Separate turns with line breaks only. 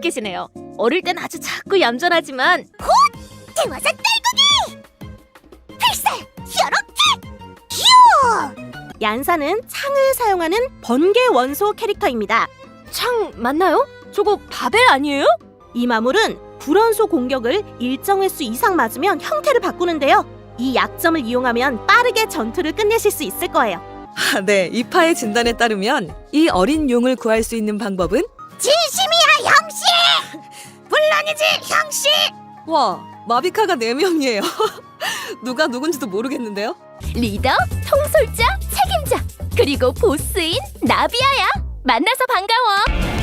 계시네요. 어릴 땐 아주 작고 얌전하지만
대화사 딸꾹이! 필살! 이렇게! 휴!
얀사는 창을 사용하는 번개 원소 캐릭터입니다.
창 맞나요? 저거 바벨 아니에요?
이 마물은 불원소 공격을 일정 횟수 이상 맞으면 형태를 바꾸는데요. 이 약점을 이용하면 빠르게 전투를 끝내실 수 있을 거예요.
네, 이파의 진단에 따르면 이 어린 용을 구할 수 있는 방법은
진심이야, 형씨! 물론이지, 형씨!
와, 마비카가 4명이에요. 누가 누군지도 모르겠는데요?
리더, 통솔자, 책임자, 그리고 보스인 나비아야. 만나서 반가워.